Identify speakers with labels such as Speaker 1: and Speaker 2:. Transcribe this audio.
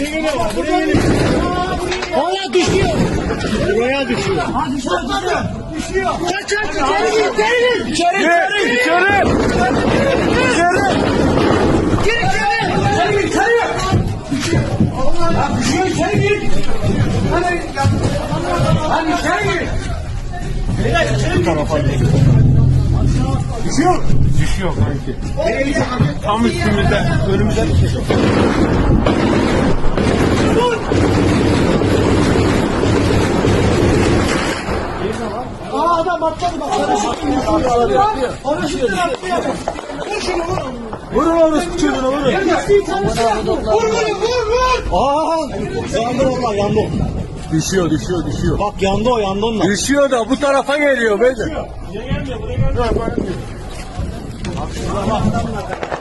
Speaker 1: Buraya geliyor. Hala düşüyor. Buraya düşüyor. Düşüyor. Kaç içeri gir. İçeri gir. İçeri. Gir içeri. İçeri. Ya düşüyor içeri gir. Hadi içeri gir. Bu tarafa gir. Düşüyor. Düşüyor kanki. Tam üstümüzde. Önümüzde düşüyor. Aa adam atladı bak. Paraşütten atlıyor. Vur şunu vur. Vurun orası çocuğuna vurun. Vur. Aa yandı valla yandı. Düşüyor. Bak yandı onunla.
Speaker 2: Düşüyor da bu tarafa geliyor beyler.
Speaker 1: Buraya gelmiyor. Buraya gelmiyor. Bak şurada bak.